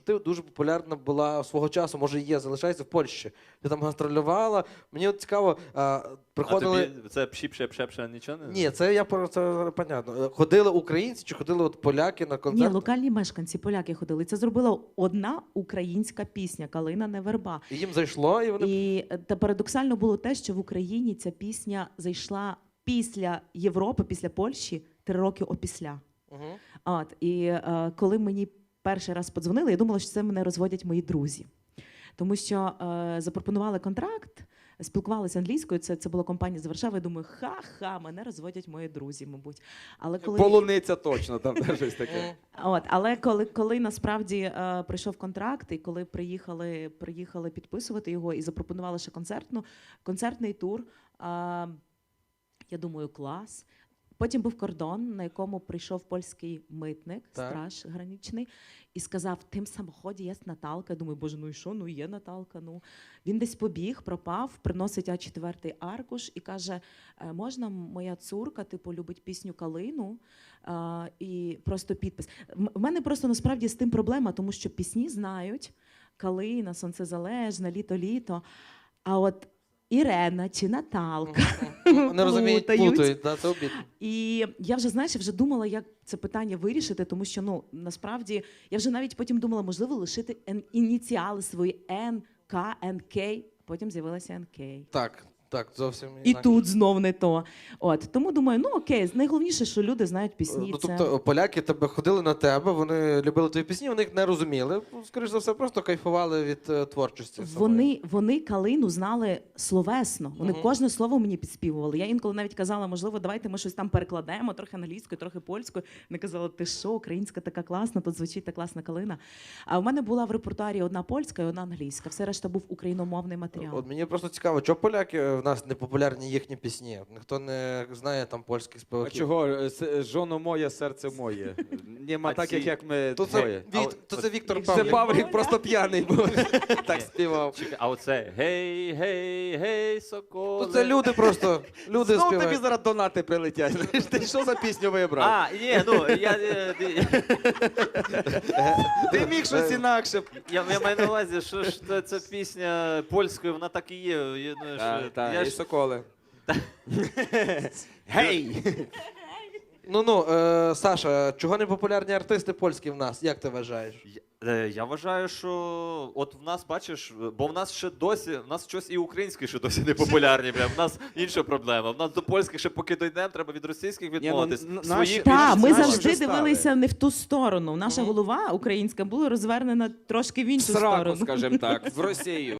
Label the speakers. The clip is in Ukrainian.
Speaker 1: Ти дуже популярна була свого часу, може є, залишається в Польщі. Ти там гастролювала. Мені от цікаво, приходили...
Speaker 2: А тобі це пші-пше нічого не?
Speaker 1: Ні, це я про це понятно. Ходили українці чи ходили от поляки на
Speaker 3: Ні,
Speaker 1: концерт?
Speaker 3: локальні мешканці, поляки ходили. Це зробила одна українська пісня «Калина не верба».
Speaker 1: І їм зайшло, і вони...
Speaker 3: І та парадоксально було те, що в Україні ця пісня зайшла після Європи, після Польщі, 3 роки опісля.
Speaker 1: Угу.
Speaker 3: От, і коли мені перший раз подзвонили, я думала, що це мене розводять мої друзі. Тому що запропонували контракт, спілкувалися англійською, це була компанія з Варшави, я думаю, ха-ха, мене розводять мої друзі, мабуть. Але коли...
Speaker 4: Полуниця точно, там щось таке.
Speaker 3: От, але коли насправді прийшов контракт, і коли приїхали підписувати його і запропонували ще концертний тур, я думаю, клас. Потім був кордон, на якому прийшов польський митник, страж граничний, і сказав, в тим самоході є Наталка. Я думаю, боже, ну і що? Ну є Наталка. Ну. Він десь побіг, пропав, приносить А4 аркуш і каже, можна моя цурка, типу, любить пісню «Калину», і просто підпис. В мене просто насправді з тим проблема, тому що пісні знають «Калина», «Сонцезалежна», «Літо-літо», а от Ірена чи Наталка.
Speaker 1: Не розуміють, плутають, да, це обідно.
Speaker 3: І я вже, знаєш, вже думала, як це питання вирішити, тому що, ну, насправді, я вже навіть потім думала, можливо, лишити ініціали свої Н, К, Н, К, потім з'явилася НК.
Speaker 1: Так, зовсім
Speaker 3: І
Speaker 1: інакше.
Speaker 3: тут знов не то. От, тому думаю, ну окей, найголовніше, що люди знають пісні.
Speaker 1: Ну,
Speaker 3: це...
Speaker 1: тобто поляки ходили на тебе, вони любили твої пісні, вони їх не розуміли. Скоріш за все, просто кайфували від творчості.
Speaker 3: Вони «Калину» знали словесно. Вони кожне слово мені підспівували. Я інколи навіть казала, можливо, давайте ми щось там перекладемо, трохи англійською, трохи польською. Вони казали, ти що, українська така класна, тут звучить та класна калина. А в мене була в репертуарі одна польська і одна англійська. Все решта був україномовний матеріал.
Speaker 1: От мені просто цікаво, чого поляки в нас не популярні їхні пісні? Ніхто не знає там польських
Speaker 4: А
Speaker 1: співаків.
Speaker 4: чого? Жоно моє, серце моє. Нема так, як ми
Speaker 1: То
Speaker 4: двоє.
Speaker 1: це Віктор
Speaker 4: Це
Speaker 1: Павлік.
Speaker 4: Павлік просто п'яний був.
Speaker 1: Так співав.
Speaker 2: Чекай, а оце гей, гей, гей, соколи.
Speaker 1: То це люди просто, люди
Speaker 4: Знов тобі
Speaker 1: співають.
Speaker 4: зараз донати прилетять. Знаєш, ти що за пісню вибрав?
Speaker 2: А, ні, ну,
Speaker 4: Ти міг щось інакше.
Speaker 2: я маю на увазі, що ж ця пісня польською, вона так і є. Я думаю, що я
Speaker 4: І
Speaker 2: ж-
Speaker 4: соколи. Гей!
Speaker 1: Саша, чого не популярні артисти польські в нас? Як ти вважаєш?
Speaker 2: Я вважаю, що от в нас, бачиш, бо в нас ще досі, в нас щось і українське ще досі не популярні, в нас інша проблема. В нас до польських ще поки дійдемо, треба від російських відмовитись. Своїх
Speaker 3: Так, ми
Speaker 4: Наші
Speaker 3: завжди
Speaker 4: вже стали.
Speaker 3: дивилися не в ту сторону. Наша голова українська була розвернена трошки в іншу
Speaker 4: Сраку,
Speaker 3: сторону.
Speaker 4: скажімо так, в Росію.